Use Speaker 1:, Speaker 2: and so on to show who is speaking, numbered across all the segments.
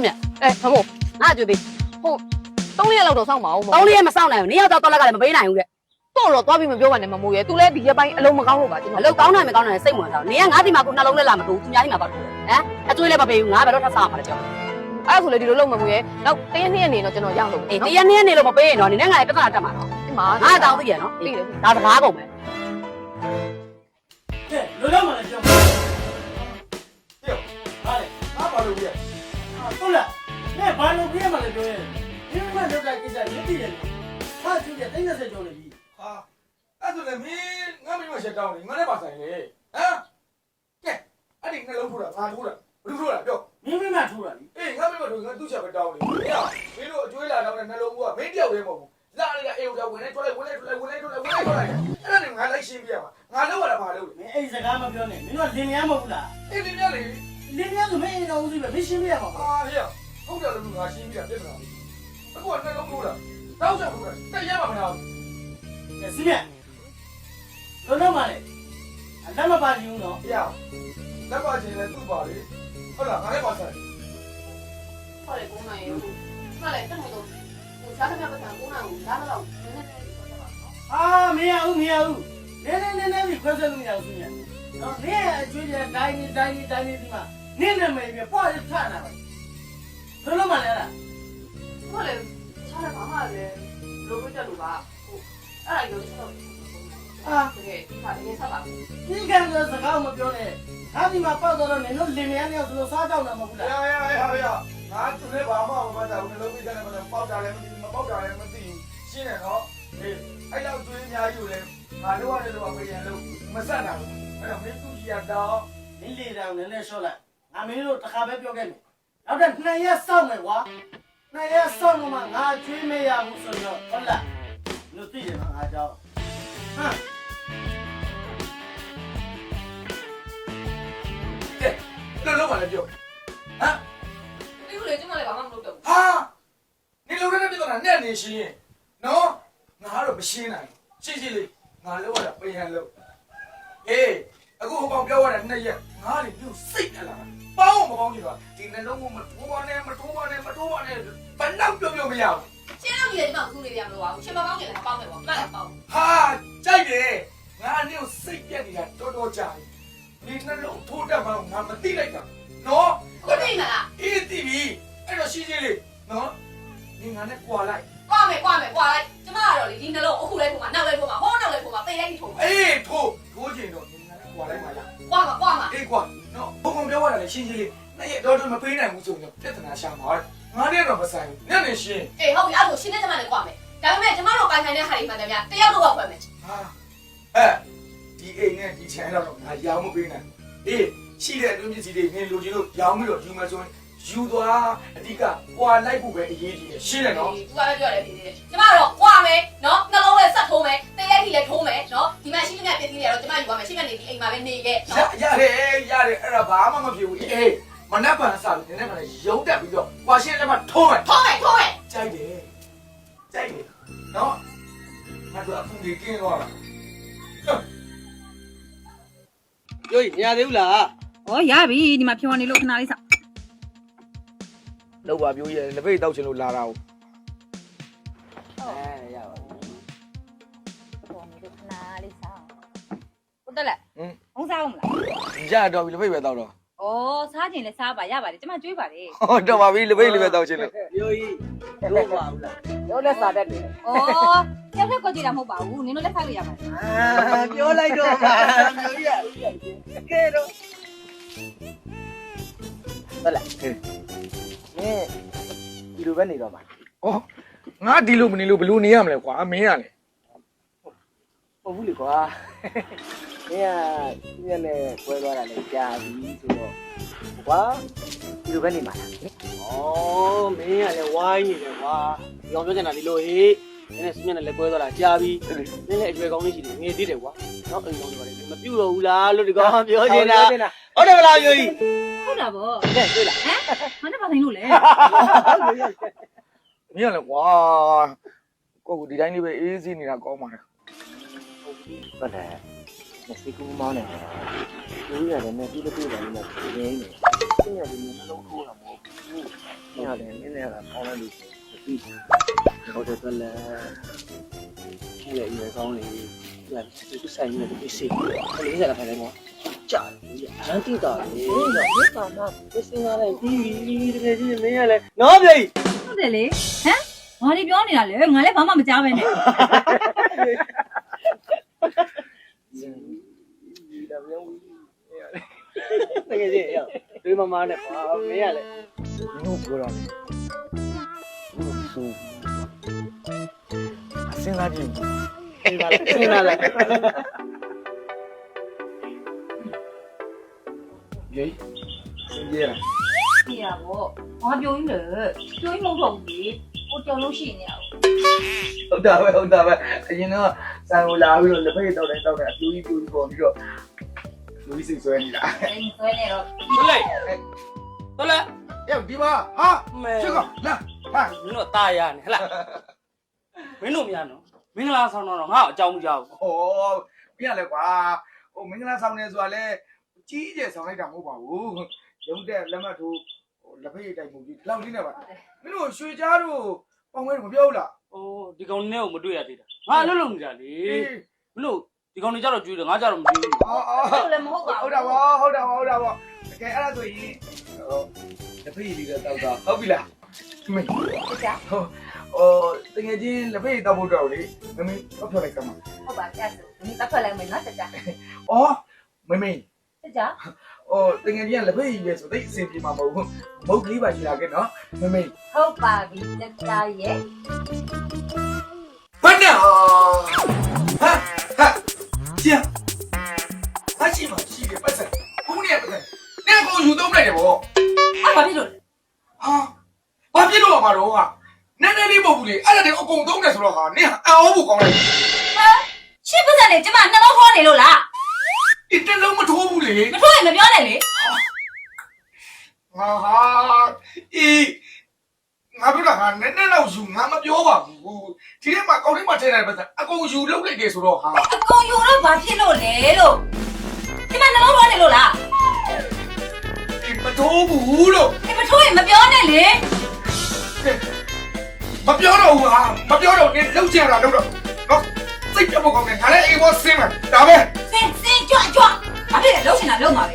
Speaker 1: 对面，哎，陈木，那就得，好，当年老多上毛嘛，
Speaker 2: 当年没上来，你要到那个没背来用的，
Speaker 1: 到了多边没表完的嘛，冇嘢，都来第一班一路没搞好吧，真
Speaker 2: 老讲呢没讲呢，谁没上？你俺地嘛过那龙来那么多，中间地嘛不多，哎，他做来不背，俺不了他啥嘛了就。
Speaker 1: အဲ့ဆိုလေဒီလိုလုံးမမွေးနောက်တရက်နှစ်ရက်နေတော့ကျွန်တော်ရအောင်လုပ်
Speaker 2: အေးတရက်နေ့နေလို့မပေးရင်တော့နင်းလည်းငါလည်းပြဿနာတက်မှာနော်
Speaker 1: ဒီမှာ
Speaker 2: ငါတောင်းသိရနော်
Speaker 1: သိတယ်
Speaker 2: ဒါစကားကုန်မယ်
Speaker 3: ကဲလောလောမှလည်းပြောပြောဟာလေဘာပါလို့ပြဟုတ်လားနဲ့ဘာလို့ပြမှလည်းပြောရင်ဒီမှာလောက်တာကိစ္စမြစ်တည်တယ်ဟာသူကတိုင်း30ကျော်နေပြီ
Speaker 4: ဟာအဲ့ဆိုလည်းမင်းငါမင်းမရှက်တောင်းနေငါလည်းပါဆိုင်လေဟမ်ကဲအဲ့ဒီနှလုံးထိုးတာငါထိုးတာဘယ်လိုထိုးတာပြော
Speaker 3: မင်းမင်းမထိုးတာလी
Speaker 4: အေးငါမင်းမထိုးငါသူ့ချက်ပဲတောင်းနေဟဲ့မင်းတို့အကျွေးလာတော့တဲ့နှလုံးကမင်းတယောက်တည်းမဟုတ်ဘူးလာရကအေးကဝင်နေထွက်လိုက်ဝင်လိုက်ထွက်လိုက်ဝင်လိုက်ထွက်လိုက်ဝင်လိုက်ထွက်လိုက်အဲ့ဒါနဲ့ငါလိုက်ရှင်းပြရမှာငါလောက်ရတာဘာလို့လဲ
Speaker 3: မင်းအဲ့စကားမပြောနဲ့မင်းတို့လင်မယားမဟုတ်ဘူးလား
Speaker 4: အေးလင်းရလေ
Speaker 3: လင်မယားဆိုမင်းအိမ်တော်ဦးစီးပဲမင်းရှင်းပြရမှာပေါ့
Speaker 4: ဟာဟဲ့ဟုတ်တယ်လို့ငါရှင်းပြပြပြတာအခုကနှလုံးထိုးတာတောက်ချက်ထိုးတာတက်ရမှာမလား
Speaker 3: ကဲစီးမြလောလောမှလည်းလက်မပါချင်ဘူးနော်
Speaker 4: ဟဲ့လက်ပါချင်းလည်းသူ့ပါလေဟုတ်လားငါလည်းပါဆိုင်
Speaker 1: ဟုတ်တယ်9နိုင်ရေဟုတ်တယ်တက်နေတော့ဟိုစားတဲ့ပတ်စံ9နိုင်ကိုလာတော့နည်းနည်းလေးပြောပြပါနော်
Speaker 3: အာမရဘူးမရဘူးနည်းပြီးခွဲဆက်လို့မရဘူးစီးမြနော်နင်းအကျွေးတဲ့တိုင်းဒီမှာနင်းနာမည်ပြပေါ့ရထတာပဲလောလောမှလည်းလား
Speaker 1: ဟုတ်တယ်စားတဲ့ဘာမှလည်းလိုလို့တက်လို့ပါဟိုအဲ့ဒါရောချက်တော့
Speaker 3: အာ
Speaker 1: တကယ်ဒါအရင်ဆက်ပါ
Speaker 3: ဒီကံဆိုစကားမပြောနဲ့ဟာဒီမှာပေါ့တော့နင်တို့လင်မယားနှစ်ယောက်ဆိုလို့စားကြောက်တာမဟုတ်ဘူးလား
Speaker 4: ဟဲ့ငါသူလည်းဘာမှမပတ်တာဘူးနှလုံးကြီးတဲ့မှာပေါက်တာလည်းမသိဘူးမပေါက်တာလည်းမသိဘူးရှင်းတယ်နော်အေးအဲ့လောက်ကျွေးအများကြီးကိုလည်းငါတို့ရတယ်လို့ပြန်လို့မဆက်တာဘူးအဲ့တော့မင်းသူ့ကြီးရတော့
Speaker 3: နင်းလေတောင်နည်းနည်းရှော့လိုက်ငါမင်းတို့တစ်ခါပဲပြောခဲ့မယ်နောက်တော့2ရက်စောင့်မယ်ကွာ2ရက်စောင့်မှငါကျွေးမရဘူးဆိုတော့ဟုတ်လားလူသိတယ်ငါကြောက်ဟမ်
Speaker 4: ကဲလုံးပါလေပြောဟမ်
Speaker 1: ဒီလိုလေကျွန်မလည်းဘာမှမလုပ်တော့ဘူး
Speaker 4: ဟာနေလုံးနဲ့ပြတော့နဲ့နေရှင်းရင်နော်ငါတော့မရှင်းနိုင်ရှင်းလေးငါလောက်ရတာပြန်လို့အေးအခုဟိုကောင်ပြောရတဲ့2ရက်ငါလေပြုစိတ်ထလာပေါင်းမပေါင်းကြည့်ပါဒီနှလုံးကမထိုးပါနဲ့ဘယ်နောက်ပြောမရဘူး
Speaker 1: ရှင်းတော့ဒီလေဒီမှာကူးနေပြန်လို့ပါဘူးရှင်မပေါင်းနေလည်းပေါင်းမယ်ပေါ့မှတ်လည်းပေါင်း
Speaker 4: ဟာကြိုက်တယ်ငါနေကိုစိတ်ပြက်နေတာတော်ကြာပြီဒီနှလုံးထိုးတတ်မှငါမသိလိုက်တာနော်
Speaker 1: ကိုသိမလား
Speaker 4: အေးသိပြီအဲ့တော့ရှင်းလေးနော်ဒီငါနဲ့ကွာလိုက်
Speaker 1: ကွာမယ်လိုက်ကျမကတော့လေဒီနှလုံးအခုလိုက်ထိုးမှာနောက်လိုက်ထိုးမှာဟောနောက်လိုက်ထိုးမှာသိလိုက်ထိုးမှာ
Speaker 4: အေးထိုးချင်တော့ဒီငါနဲ့ကွာလိုက်ပါလား
Speaker 1: ကွာမှာ
Speaker 4: အေးကွာနော်ဘုံပြောရတာလေရှင်းလေးနဲ့ရတော့မပေးနိုင်ဘူးဆိုရင်ပြဿနာရှာမှာငါနဲ့တော့မဆိုင်ဘူးနဲ့နေရှင်း
Speaker 1: အေးဟုတ်ပြီအဲ့ဒါရှင်းတဲ့ကျမလည်းကွာမယ်ဒါပေမဲ့ကျမတို့ပိုင်ဆိုင်တဲ့ဟာတွေမှန်တယ်ဗျတယောက်တော့ဖွယ်မယ်
Speaker 4: ဟာအဲဒီအိမ်နဲ့ဒီချမ်းတော့ငါရောင်းမပေးနိုင်အေးရှိတဲ့အတွင်းပစ္စည်းတွေနင်လိုချင်လို့ရောင်းပြီးတော့ယူမယ်ဆိုရင်ယူသွားအဓိကကွာလိုက်ဖို့ပဲအရေးကြီးတယ်ရှင်းတယ်နော်
Speaker 1: သူကလည်းပြောရတယ်ဒီနေ့ကျမတို့ကွာမယ်နော်နှလုံးလည်းဆက်ထိုးမယ်သိလိုက်ထိလည်းထိုးမယ်နော်ဒီမှာရှိတဲ့ပစ္စည်းတွေကတော့ကျမယူပါမယ်ရှိတဲ့နေဒီအိမ်မှာပဲနေခဲ့နော်
Speaker 4: ရတယ်အဲ့ဒါဘာမှမဖြစ်ဘူးအေးမနက်ဖြန်စားပြီးနည်းနည်းရုံးတက်ပြီးတော့ကွာရှင်းလက်မထိုးမယ်
Speaker 1: ထိုးမယ်
Speaker 4: ကြိုက်တယ်နော်ငါတို့အခုဒီကင်းတော့လား
Speaker 5: ပြောရင်မရသေးဘူးလား
Speaker 6: ။ဩရပြီဒီမှာဖြောနေလို့ခဏလေးစောင့်
Speaker 4: လောက်ပါပြောရဲလက်ပိတ်တောက်ချင်လို့လာတာကို
Speaker 5: ရပါဘူး
Speaker 6: ။ဖြောနေလို့ခဏလေးစောင့်။ဟုတ်တယ်လား။ဘုံစားအောင်မလား
Speaker 4: ရတော့ပြီလက်ပိတ်ပဲတောက်တော့
Speaker 6: ။ဩစားခြင်းလဲစားပါရပါတယ်။ကျမကြွေးပါလေ
Speaker 4: ဟောတော့ပါပြီလက်ပိတ်လေးပဲတောက်ချင်လို့
Speaker 5: ပြောကြီးလို့ပါဘူးလား
Speaker 2: တို့လည်းစားတတ်တယ်
Speaker 6: ။ဩဆက်ဖက်ကောကြည့်တာမဟုတ်ပါဘူး။နင်တို့လက်ဖက်လို့ရပါတယ်
Speaker 5: ပြောလိုက်တော့ပါပြောကြီးကဲတော့
Speaker 2: ဟုတ်လားနင်းဒီလိုပဲနေတော့မှာ
Speaker 4: ဩငါဒီလိုမနေလို့ဘလို့နေရမလဲကွာမင်းရလေ
Speaker 2: ဟုတ်ဘူးလေကွာနင်းကဒီရက်နဲ့ပွဲသွားတာလည်းကြာပြီဆိုတော့ကွာဒီလိုပဲနေမှာလား
Speaker 5: ဩမင်းကလည်းဝိုင်းနေတယ်ကွာဒီအောင်ပြောချင်တာဒီလိုဟေးနင်းနဲ့စမြနဲ့လည်းကွဲသွားတာကြာပြီနင်းလည်းအကျွဲကောင်းလေးရှိတယ်ငယ်သေးတယ်ကွာနောက်အိမ်ကောင်းတွေပါလေမပြုတ်တော့ဘူးလားလို့ဒီကောင်ပြောချင်တာဟုတ်တယ်မလားပြောကြီး
Speaker 6: ။ဟုတ်တာဗော
Speaker 2: တဲ့တွေ့လား
Speaker 6: ။ဟမ်မနေ့ပါဆိုင်လို့လေ
Speaker 4: မင်းရလေကွာကိုကဒီတိုင်းလေးပဲအေးစီးနေတာကောင်းပါလား
Speaker 2: ဟုတ်တယ်မစိတ်ကူးမောင်းနေတယ်ဒီရတယ်နဲ့ပြီးလို့ပြီးတယ်နဲ့ပြင်းနေတယ်ပြင်းရတယ်နဲ့လုံးထိုးတာမဟုတ်ဘူးမင်းလည်းနင်းနေတာပေါင်းလိုက်လို့ပြီးဟုတ်တယ်ပဲလေဒီရဲ့ရွယ်ကောင်းလေလာဒီဆိုင်နေတယ်ဖြစ်စီခလေးစားခိုင်းတယ်ပေါ့ကြာတယ်အန်တီတာလေတော့ဒီကမှပစ္စည်းလာလိုက်ပြီးတကယ်ကြီးမင်းရလဲနော်ပြေ
Speaker 6: ဟုတ်တယ်လေဟမ်ငါဒီပြောနေတာလေငါလည်းဘာမှမကြားပဲနဲ့
Speaker 2: ဒီလာပြောင်းတကယ်ကြီးရဒီမမနဲ့ပါမင်းရလဲမင်းတို့ပြောတော့စဉ်းစားကြည့်စဉ်းစားလိုက်ရေး
Speaker 6: ပြရပေါ့ငါပြောရင်းလေပြောရင်းမဟုတ်ဘူးလေကိုကြောင်လို့ရှိနေရအောင်
Speaker 4: ဟုတ်တာပဲအရင်တော့ဆန်ကိုလာပြီးတော့လက်ဖက်တောက်တိုင်းတောက်တိုင်းအပြူကြီးပေါ်ပြီးတော့လူကြီးစိတ်ဆွဲနေတာ
Speaker 6: အဲ့ဒီဆွဲနေတော့
Speaker 5: ဟုတ်လေဟုတ်လား
Speaker 4: ရောက်ဒီပါဟာ
Speaker 5: မဲ
Speaker 4: ချစ်ကောင်လာဟာ
Speaker 5: မင်းတို့တာရနေဟလားမင်းတို့များနော်မင်္ဂလာဆောင်တော့ငါ့အကြောင်းမကြောက်
Speaker 4: ဟောပြရလဲကွာဟိုမင်္ဂလာဆောင်နေဆိုတာလဲကြီးကျယ်ဆောင်လိုက်တာမဟုတ်ပါဘူးရုံးတဲ့လက်မှတ်ထိုးလက်ဖက်တိုက်မှုကြီးလောက်လေးနဲ့ပါမင်းတို့ရွှေကြားတို့ပေါင်မဲမပြောဘူးလား
Speaker 5: အိုးဒီကောင်နဲ့ကိုမတွေ့ရသေးတာငါအလုပ်လုပ်နေတာလေမင်းတို့ဒီကောင်တွေကြတော့ကျွေးတယ်ငါကြတော့မကျွေးဘူး
Speaker 6: အဲ့လိုလည်းမဟုတ်ပါဘူး
Speaker 4: ဟုတ်တာပါတကယ်အဲ့ဒါဆိုရင်လက်ဖက်ရည်လေးတော့တောက်တာဟုတ်ပြီလားမင်း
Speaker 6: ဟုတ်ကြ
Speaker 4: တကယ်ချင်းလက်ဖက်ရည်တောက်ဖို့တော့လေမင်းတော့ပြောလိုက်ကမှာ
Speaker 6: ဟုတ်ပါကြဆိုဒီတက်ထွက်လိုက်မယ်နော်ကြကြ
Speaker 4: အော်မင်း
Speaker 6: ကြကြ
Speaker 4: တကယ်ချင်းလက်ဖက်ရည်လေဆိုသိအဆင်ပြေမှာမဟုတ်ဘူးမုတ်ကလေးပါရှိလာခဲ့နော်မင်း
Speaker 6: ဟုတ်ပါပြီကြကြရဲ့
Speaker 4: ဘယ်နဲ့ဟာကျန်အရှိမရှိတယ်ပတ်စံဘူးနေပတ်စံနေကိုယူသုံးလိုက်တယ်ဗော
Speaker 6: အဲ့ဘာဖြစ်လို့လဲ
Speaker 4: ဟာဘာဖြစ်လို့မှာတော့ဟာနည်းနည်းလေးမဟုတ်ဘူးလေအဲ့ဒါတွေအကုန်သုံးတယ်ဆိုတော့ဟာနင်အော်ဘူးကောင်းလိုက်
Speaker 6: ရှင်းပစံလေကျမနှလုံးခေါ်နေလို့လား
Speaker 4: ဒီတလုံးမထိုးဘူးလေ
Speaker 6: မထိုးရင်မပြောနဲ့လေ
Speaker 4: ဟာအေးငါပြောတာဟာနည်းနည်းတော့ယူငါမပြောပါဘူးဒီထဲမှာကောင်းထဲမှာထည့်လိုက်ပတ်စံအကုန်ယူလုပ်လိုက်တယ်ဆိုတော့ဟာ
Speaker 6: အကုန်ယူတော့ဘာဖြစ်လို့လဲလို့ကျမနှလုံးခေါ်နေလို့လား
Speaker 4: ဒီမထိုးဘူးလို့
Speaker 6: မထိုးရင်မပြောနဲ့လေ
Speaker 4: မပြောတော့ဘူးဟာမပြောတော့နင်လှုပ်ချင်တာလှုပ်တော့နော်စိတ်ပြတ်ဖို့ကောင်းတယ်ငါလည်းအိမ်ပေါ်ဆင်းမှာဒါပဲ
Speaker 6: စင်ကြွဘာဖြစ်လဲလှုပ်ချင်တာလှုပ်ပါပဲ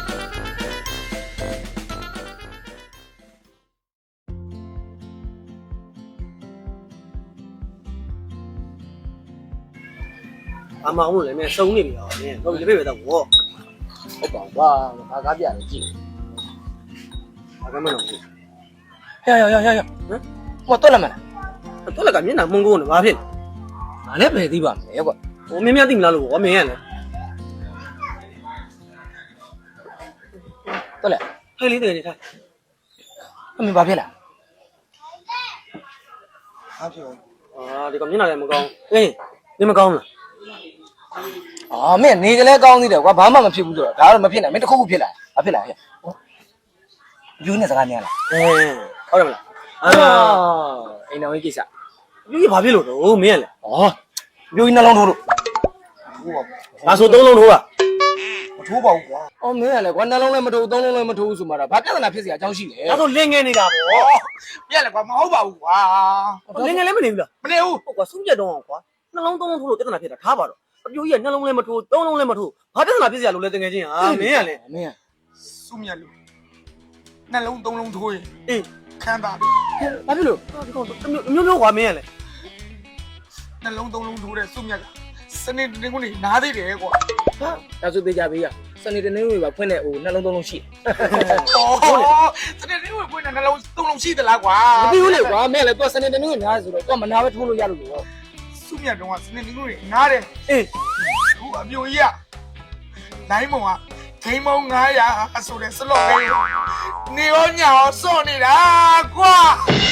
Speaker 5: အမောင်လို့လည်းမင်းစုံနေပြီဟောမင်းတော့ဒီပြေပဲတော့ဘော
Speaker 2: ဟုတ်ပါကွာဘာကားပြလဲကြည့်
Speaker 5: ဘာကမှမလုပ်ဘူး
Speaker 2: ဟမ်ဟိုတော့လာမလား
Speaker 5: တော့လည်းကမျက်နှာမှုန်ကုန်နေဘာဖြစ်
Speaker 2: ငါလည်းပဲသိပါမယ်ကွာ
Speaker 5: ဟိုမင်းများသိမလားလို့ဘောမင်းရလဲ
Speaker 2: တော့လေ
Speaker 5: ဟဲ့လေးတကယ်နေထား
Speaker 2: အမေဘာဖြစ်လား
Speaker 4: ဟာပြော
Speaker 5: အာဒီကောင်မျက်နှာလည်းမကောင်းအေးနေမကောင်းလား
Speaker 2: အော်မင်းနေကလေးကောင်းသေးတယ်ကွာဘာမှမဖြစ်ဘူးဆိုတော့ဒါတော့မဖြစ်နိုင်မင်းတစ်ခုခုဖြစ်လာဘာဖြစ်လာဟဲ့ယူနေစကားများလား
Speaker 5: အေးဟုတ်တယ်မလားအာ
Speaker 2: အိမ်တော်ကြီးကိစ္စ
Speaker 5: ဒီဘာဖြစ်လို့တော့မင်းရလဲ
Speaker 2: ဩပြိုးကြီးနှလုံးထိုးလို့
Speaker 5: ငါဆိုသုံးလုံးထိုးတာ
Speaker 4: မထိုးပါဘူးကွာ
Speaker 2: အော်မင်းကလည်းကွာနှလုံးလည်းမထိုးသုံးလုံးလည်းမထိုးဆိုမှတော့ဘာပြဿနာဖြစ်စရာအကြောင်းရှိလဲ
Speaker 5: ဒါဆိုလင်းငယ်နေတာဗော
Speaker 4: ပြက်လေကွာမဟုတ်ပါဘူးကွာ
Speaker 5: လင်းငယ်လည်းမနေဘူးလား
Speaker 4: မနေဘူး
Speaker 5: ဟုတ်ကွာဆုံးပြတ်တော့အောင်ကွာနှလုံးသုံးလုံးထိုးလို့ပြဿနာဖြစ်တာထားပါတော့အပြိုကြီးကနှလုံးလည်းမထိုးသုံးလုံးလည်းမထိုးဘာပြဿနာဖြစ်စရာလို့လဲတကယ်ချင်းဟာမင်းရလဲ
Speaker 2: မင်း
Speaker 4: စုမြတ်လို့နှလုံးသုံးလုံးထိုးရင်
Speaker 5: အေး
Speaker 4: ခမ်းသာတယ်
Speaker 5: ဘာဖြစ်လို့ဒီကောင်မျိုးကွာမင်းရလဲ
Speaker 4: နှလုံးသုံးလုံးထိုးတဲ့စုမြတ်ကစနေတင်းကုန်နေနားသေးတယ်ကွာ
Speaker 2: ဟာဒါဆိုသေးကြပေးရစနေတနေ့ဝင်ပါဖွင့်တဲ့ဟိုနှလုံးသုံးလုံးရှိ
Speaker 4: အော်စနေတင်းဝင်ပွင့်တဲ့နှလုံးသုံးလုံးရှိသလားကွာ
Speaker 2: မပြီးဘူးလေကွာမင်းလည်းသူစနေတနေ့ဝင်နားဆိုတော့သူမနာပဲထိုးလို့ရလို့လို့
Speaker 4: စုမြတ်တော့စနေတင်းကုန်နေနားတယ်
Speaker 5: အေး
Speaker 4: ခုအပြိုကြီးကနိုင်မုံကဂိမ်းမောင်း900ဆိုတဲ့စလော့လေးနေရောညာရောစော့နေတာကွာ